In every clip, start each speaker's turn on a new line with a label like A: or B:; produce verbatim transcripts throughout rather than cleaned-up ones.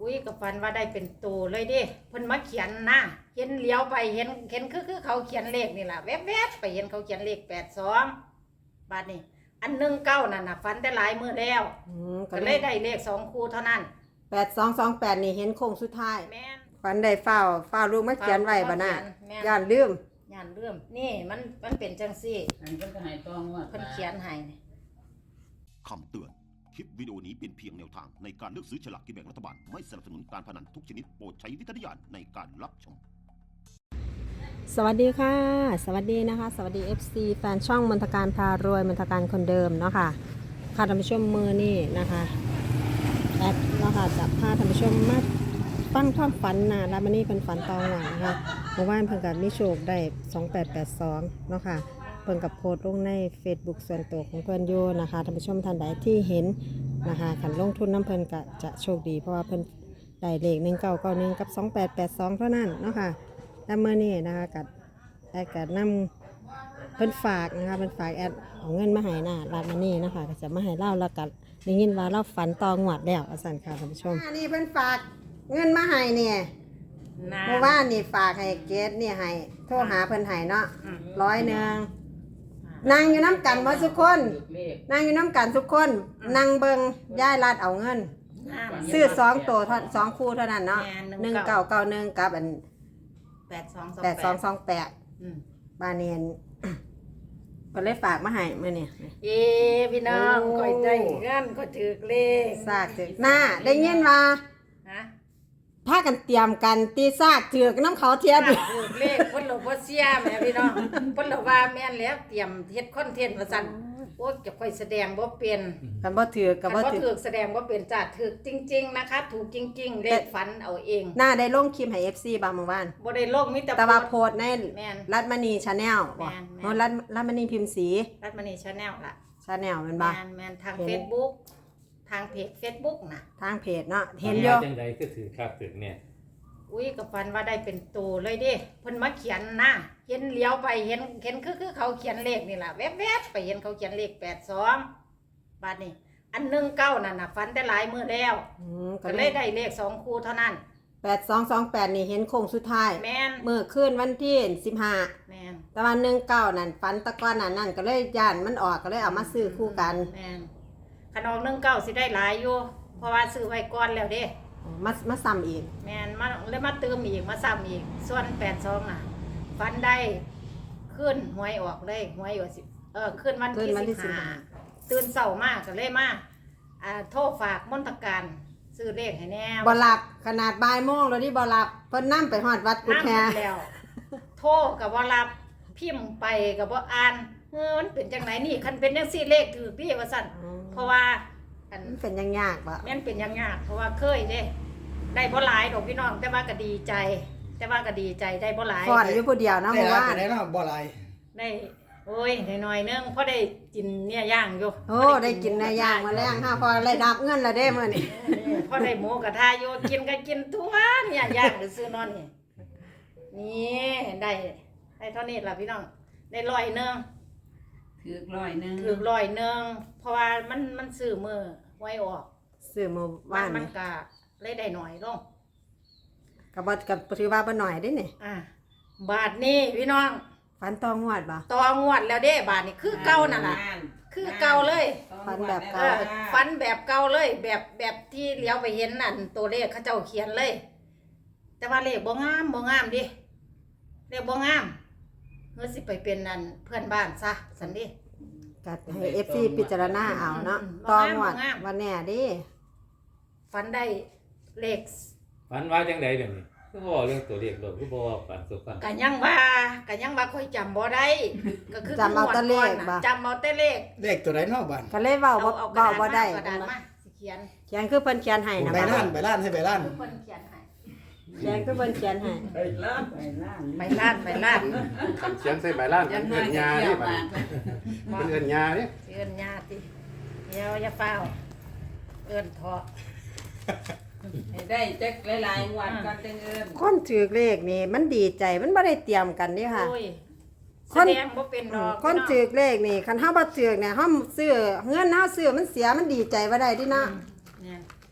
A: อุ้ยกับฟันว่าได้เป็นตัวเลยเด้เพิ่นมาเขียนนะเห็นเลี้ยวไปเห็นเห็นคือคือเขาเขียนเลขนี่ล่ะแวบๆไปเห็นเขาเขียนเลขแปดสองบาทนี่อันหนึ่งเก้านั่นน่ะฟันได้หลายมือแล้วก็เลยได้เลขสองคู่เท่านั้น
B: แปดสองสองแปดนี่เห็นโค้งสุดท้าย
A: แม่น
B: ฝันได้เฝ้าเฝ้าลูกมาเขียนไว้บ่น่ะย่านลืม
A: ย่านลืมนี่มันมันเป็นจังซี่
C: อันเพิ่นก็ให้ตองว่า
A: เพิ่นเขียนให้
D: คำเตือนคลิปวิดีโอนี้เป็นเพียงแนวทางในการเลือกซื้อฉลากกินแบ่งรัฐบาลไม่สนับสนุนการพนันทุกชนิดโปรดใช้วิจารณญาณในการรับชม
B: สวัสดีค่ะสวัสดีนะคะสวัสดี เอฟ ซี แฟนช่องมนทการพารวยมนทการคนเดิมเนาะค่ะค่ะท่านผู้ชมมือนี่นะคะแอดเนาะค่ะจะพาท่านผู้ชมมาฟังความฝันนะแล้วมันนี่เป็นฝันตองหวานนะคะเมื่อวานเพิ่งกับมิโชคได้สองแปดแปดสองเนาะค่ะเพิ่งกับโพสต์ลงใน Facebook ส่วนตัวของเพิ่นโยนะคะท่านผู้ชมท่านใดที่เห็นนะคะขันลงทุนน้ำเพิ่นก็จะโชคดีเพราะว่าเพิ่นได้เลขหนึ่งเก้าเก้าหนึ่งกับสองแปดแปดสองเท่านั้นเนาะค่ะแล้วเมื่อนี้นะคะกับแอดกับนำเพิ่นฝากนะคะเพิ่นฝากแอดเอาเงินมาให้น่ะร้านมันนี่นะคะก็จะมาให้เล่าแล้วกันได้ยินว่าเราฝันตองหวัดแล้วอาจารย์ค่ะท่านผู้ชมอันนี้เพิ่นฝากเงินมาให้เนี่ยเมื่อวานนี่ฝากให้เกดนี่ให้โทรหาเพิ่นให้เนาะร้อยหนึ่งนางอยู่น้ำกันหมดทุกคนนางอยู่น้ำกันทุกคนนางเบิงย่ายลาดเอาเงินซื้อสองตัวสองคู่เท่านั้นเนาะหนึ่งเก้าเก้าหนึ่งกับอัน
A: แปดสอง
B: แปดสองสองแปดบาเนียนก็เลยฝากมาให้เมื่อนี่
A: เอ้พี่น้องคอยใจเงินก็ถือเลข
B: ซากถือหน้าได้ยินว่าพากันเตรียมกันตีซากถือน้ำเขาเทียบ
A: ถือเลขเพิ่นหลบว่าเสียแม่พี่น้องเพิ่นหลบว่าแม่นแล้วเตรียมเฮ็ดคอนเทนต์ว่าซั่นโอ้ยจะค่อยแสดงบ่เป็น
B: กันบ่ถือกับบ่
A: ถือแสดงบ่เป็นจ้าถือจริงๆนะคะถูกจริงๆเลขฝันเอาเอง
B: หน้าได้ลงคลิปให้ เอฟ ซี บางเมื่อวาน
A: บ่ได้ลงมีแต่
B: แต่ว่าโพสต์ในรัฐมณี Channel บ่เนาะรัฐรัฐมณีพิมพ์สี
A: รัฐมณี Channel ล่ะ
B: Channel แม่นบ่
A: แม่นทาง Facebook ทางเพจ Facebook น่ะ
B: ทางเพจเนาะเห็นอยู่
E: จังได๋คือถือครับถือเนี่ย
A: อุ้ยกับฟันว่าได้เป็นตัวเลยเด้เพิ่นมาเขียนนะเห็นเลี้ยวไปเห็นเห็นคือคือเขาเขียนเลขนี่ล่ะแวบๆไปเห็นเขาเขียนเลขแปดสองบาทนี่อันหนึ่งเก้านั่นน่ะฟันได้หลายมือแล้วก็เลยได้เลขสองคู่เท่านั้น
B: แปดสองสองแปดนี่เห็นโค้งสุดท้าย
A: แม่น
B: มื้อคืนวันที่สิบห้า
A: แม่น
B: แต่วันหนึ่งเก้านั่นฟันตะก้อนนั่นนั่นก็เลยย่านมันออกก็เลยเอามาซื้อคู่กัน
A: แม่นขนมหนึ่งเก้าสิได้หลายอยู่เพราะว่าซื้อไว้ก่อนแล้วเด้
B: มามาซ้ำอีก
A: แม่นมาเลยมาเติมอีกมาซ้ำอีกส่วนแปดสองน่ะฟันได้ขึ้นหวยออกเลยหวยออกสิเออขึ้นวันที่สิบห้าตื่นเช้ามากก็เลยมาอ่าโทรฝากมนตการซื้อเลขให้แน่
B: บ่หลับขนาดบ่ายโมงแล้วนี่บ่หลับเพิ่นนำไปฮอดวัดกุฎแฮ
A: แล้วโทรก็บ่รับพิมพ์ไปก็บ่อ่านเออมันเป็นจังไหนนี่คันเป็นจังซี่เลขถูกพี่ว่าซั่นเพราะว่า
B: อันเป็นยังยากบ่
A: แม่นเป็นยังยากเพราะว่าเคยเด้ได้บ่หลายดอกพี่น้องแต่ว่าก็ดีใจแต่ว่าก็ดีใจได้บ่หลาย
B: พออยู่ผู้เดียวนะเพราะว่า
F: ได้แล้วบ่หลาย
A: ได้โอ้ยน้อยๆนึงพอได้กินเนี่ยย่างอยู่
B: โอ้ได้กินเนื้อย่างมาแล้วค่ะพอได้ดับเงินแล้วเด้มื้อนี้
A: พอได้หมูกระทะอยู่กินก็กินทั่วเนี่ยย่างซื้อนอนนี่นี่ได้ได้เท่านี้ล่ะพี่น้องได้ร้อยนึง
C: ถือร้อยนึง
A: ถือร้อยนึงเพราะว่ามันมันซื้อมื้อไว้ออก
B: ซื้อมื้อวาน
A: มันก็เลยได้หน่อยลง
B: ก็บ่ก็ถือว่าบ่น้อยเด้นี่
A: อ่ะบาทนี้พี่น้อง
B: ฝันตองวดบ่
A: ตองวดแล้วเด้บาทนี้คือเก่านั่นล่ะคือเก่าเลย
B: ฝันแบบเก่า
A: ฝันแบบเก่าเลยแบบแบบที่เลี้ยวไปเห็นนั่นตัวเลขเขาเจ้าเขียนเลยแต่ว่าเลขบ่งามบ่งามดิเลขบ่งามเฮาสิไปเป็นนั่นเพื่อนบ้านซะซั่นดิ
B: ก็ให้ เอฟ ซี พิจารณาเอาเนาะตองวดว่าแน่ดิ
A: ฝันได้เลข
E: ฝันว่าจังได๋เดี๋ยวนี้คือบ่เรื่องตัวเลขโดดคือบ่ฝันสุข
A: ก็ยังว่าก็ยังว่าค่อยจำบ่ได้ก็คือ
B: จำเอาแต่เลขบ่
A: จำเอาแต่เลข
F: เลขตัวใดเนาะบ้าน
B: ก็เลยเว้าบ่เว้าบ่ได้
A: กระดาษมาสิเขียน
B: เขียนคือเพิ่นเขียนให้นะ
F: ใบล้านใบล้านให้ใบล้าน
A: เพิ่นเขียนให้
B: เขียนคือเพิ่นเขียนให้
C: ใบล้านใบล้าน
A: ใบล้านใบล้าน
E: เขียนใส่ใบล้านเอิ้นยานี่บัดเอิ้นยานี่
A: เอิ้นยาติเดี๋ยวอย่าเฝ้าเอิ้นเถาะ
C: ให้ได้จักหลายๆงวดก่อนจังเอิ้น
B: คนถือเลขนี่มันดีใจมันบ่ได้เตรียมกันเด้ค่ะ
A: แสดงบ่เป็นดอก
B: คนถือเลขนี่คันเฮาบ่ถือเนี่ยเฮาซื้อเงินเฮาซื้อมันเสียมันดีใจบ่ได้ดิเนาะ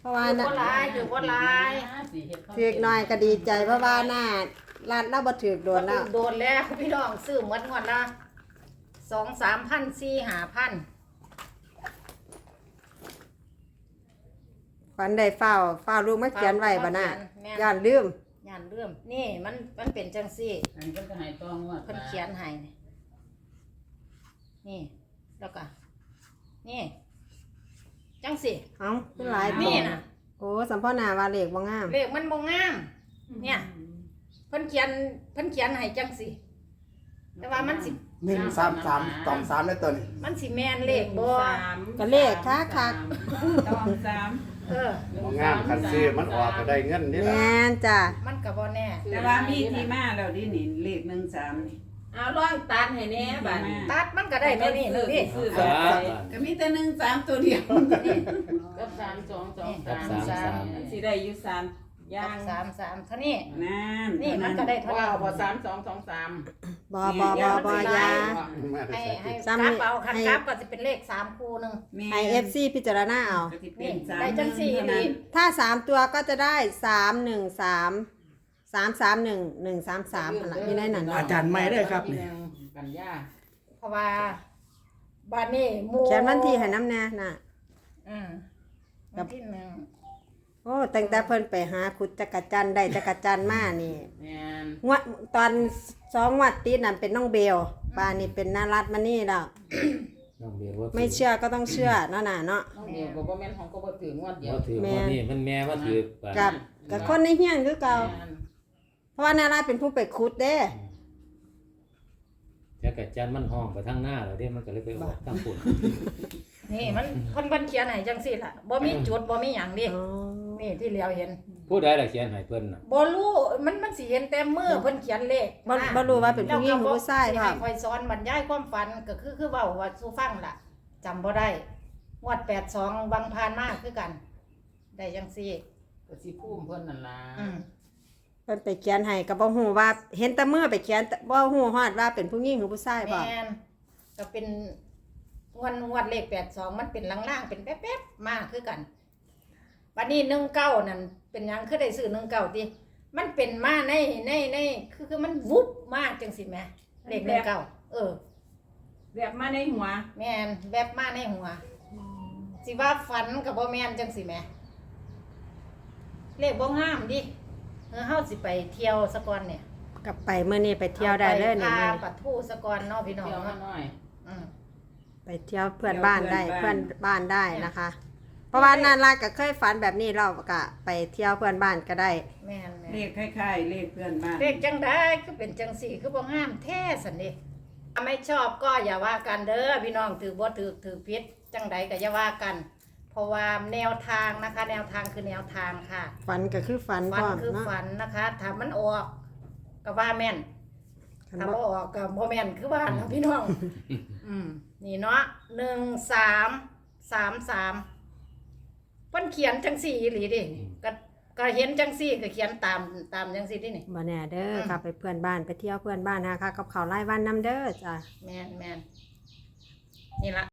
B: เพราะว่า
A: ถือ
B: น่ะ
A: ว่าลายถือว่าลาย
B: ถือกหน่อยก็ดีใจเพราะว่าหน้าร้านเราบ่ถือกโดนแล้ว
A: โดนแล้วพี่น้องซื้อหมดงวดละสองสามพันสี่ห้าพัน
B: ฝันได้เฝ้าเฝ้าลูกมาเขียนไว้บ่น่ะย่านลืม
A: ย่านเรื่องนี่มันมันเป็นจังซี่
C: อันเพิ่นก็ให้ตองว่า
A: เพิ่นเขียนให้นี่แล้วก็นี่จังซี่
B: เอ้าเป็นหลาย
A: นี่
B: ตัว
A: น่ะ
B: โอ้สัมพ่อหน้าว่าเลขบ่งาม
A: เลขมันบ่งาม เนี่ยเพิ่นเขียนเพิ่นเขียนให้จังซี่แต่ว่ามันสิ
F: หนึ่งสามสามสองสามแล้วตัวนี้
A: มันสิแม่นเลขบ่
C: สาม
B: ก็เลขคักคัก
C: ตองสาม
A: เออ
E: บ่งามคันซื้อมันออกก็ได้เงินนี่
B: แม
E: ล่ะ
B: ่นจ้ะ
A: มันก็บ่แน่
C: แต่ว่ามีที่มาแล้วดินี่เลขหนึ่งสามนี่เอาลองตัดให้แน่บัดนี้
A: ตัดมันก็ได้เท่านี้นึงดิ
C: ซื้อแบบไหนก็มีแต่หนึ่งสามตัวเดียวกับสามสองสองสามสามสิได้อยู่สามย่าง
A: สามสามเท่านี้
C: นั่น
A: นี่มันก็ได้เท่านี้
C: ว้าวพอสามสองสองสาม
B: บ่บ่บ่บ่อยา
E: มาได้
A: ให้
E: ใส่
A: ให้
B: ซ้ำ
A: ก
B: นี่
A: ราฟเอาคัน
B: ให้
A: กราฟก็จะเป็นเลขสามคู่หนึง
B: ให้ เอฟ ซี พิจารณาเอา
C: ก็สิเป็
A: นี่
C: นสาม
A: ได้จังสี่
C: เท่านั้น
A: นี่
B: ถ้าสามตัวก็จะได้สามหนึ่งสามสามสามหนึ่งหนึ่งสามสามหั่นล่ะอยู่ในนั้น
F: อาจารย์ไม่ได้ครับนี่
C: กันยา
A: เพราะว่าบ้านนี้หมู่
B: เขียนวันที่ให้น้ำแน่น่ะ
A: อืมวันที่หนึ่ง
B: โอ้ตั้งแต่เพิ่นไปหาขุดจักรจันทร์ได้จักรจันทร์มานี่
C: แม่น
B: งวดตอนสองงวัดติดนั่นเป็นน้องเบลป้านี่เป็นนารัตมานี่แล้ว
G: น้องเบียร์ว่า
B: ไม่เชื่อก็ต้องเชื่อเนาะน่ะเนาะ
C: น้องเดียวก็บ่แม่นของก็บ่ถึงงวดเดียว
G: ว่าถือว่านี่มันแม่ว่าถือไป
B: กับกับคนในเฮียนคือเก่า
C: แม่น
B: เพราะว่านารัตเป็นผู้ไปขุดเด้
G: แต่กะจันมันห้องไปทางหน้าแล้วเด้มันก็เลยไปออกทางปุ่น
A: นี่มันเพิ่นเพิ่นเขียนให้จังซี่ล่ะบ่มีจุดบ่มีหยังดิ
B: อ๋อ
A: นี่ที่เหลียวเห็น
G: ผู้ใดล่ะเขียนให้เพิ่นน่ะ
A: บ่รู้มันมันสิเห็นแต่มือเพิ่นเขียนเลข
B: บ่
A: มา
B: บ่รู้ว่าเป็นผู้หญิงหรือผู้ชาย
A: สิ
B: ครั
A: ให้
B: บ
A: คอยสอนบรรยายความฝันก็คือคือเว้าว่าสู่ฟังล่ะจำบ่ได้งวดแปดสองวังผ่านมาคือกัน ได้จังซี่
C: ก็สิภูมิเพิ่นนั่นล่ะ
A: อืม
B: เพิ่นไปเขียนให้ก็บ่ฮู้ว่าเห็นแต่มือไปเขียนแต่บ่ฮู้ฮอดว่าเป็นผู้หญิงหรือผู้ชายบ่
A: แม่นก็เป็นงวดงวดเลขแปดสองมันเป็นล่างๆเป็นแป๊บๆมาคือกันวันนี้หนึ่งเก้านั่นเป็นหยังคือได้ซื้อหนึ่งเก้าติมันเป็นมาในในในคือคือมันวุบมากจังสิแหม่เลขหนึ่งเก้าเออ
C: แบบมาในหัว
A: แม่นแบบมาในหัวสิว่าฝันกับบ่แม่นจังสิแหม่เลขบ่งามดิเออเฮาสิไปเที่ยวสะก่อนเนี่ย
B: กลับไปมื้อนี้ไปเที่ยวได้เลยนี่
A: พา
B: มื้อนี้
A: ปัดทูสะก่อนเนาะพี่น้อง
C: เที่ยวมา
A: เนาะ
C: หน่อย
A: อืม
B: ไปเที่ยวเพื่อนบ้านได้
C: เที่
B: เพื่
C: ย
B: อ
C: วน เพื่อน
B: บ้านได้นะคะ เพราะว่านารัตก็เคยฝันแบบนี้เราก็ไปเที่ยวเพื่อนบ้านก็ได้
A: แม่นแม่น
C: เลขคล้ายๆเลขเพื่อนบ้าน
A: เลขจังได้ก็เป็นจังสี่คือบ่งามแท้สันเด้ถ้าไม่ชอบก็อย่าว่ากันเด้อพี่น้องถือบ่ถือถือผิดจังใดก็อย่าว่ากัน เพราะว่าแนวทางนะคะ แนวทางคือแนวทางค่ะ
B: ฝันก็คือฝันพ
A: ฝัน
B: ร้อม
A: คือ
B: เนาะ
A: ฝันนะคะถ้ามันออกก็ว่าแม่น
B: คัน
A: ถ้า
B: บ่
A: บ่ออกก็บ่แม่นคือว่านะพี่น้อง อืมนี่เนาะหนึ่งสามสามสามเพิ่นเขียนจังสี่อีหลีดิก็ก็เห็นจังสี่ก็เขียนตามตามจังสี่ดินี่
B: บ่แน่เด้อ
A: อืม
B: ค่ะไปเพื่อนบ้านไปเที่ยวเพื่อนบ้านนะคะกับเขาวไล่วันน้ำเด้อจ้ะ
A: แม่นแม่นนี่ละ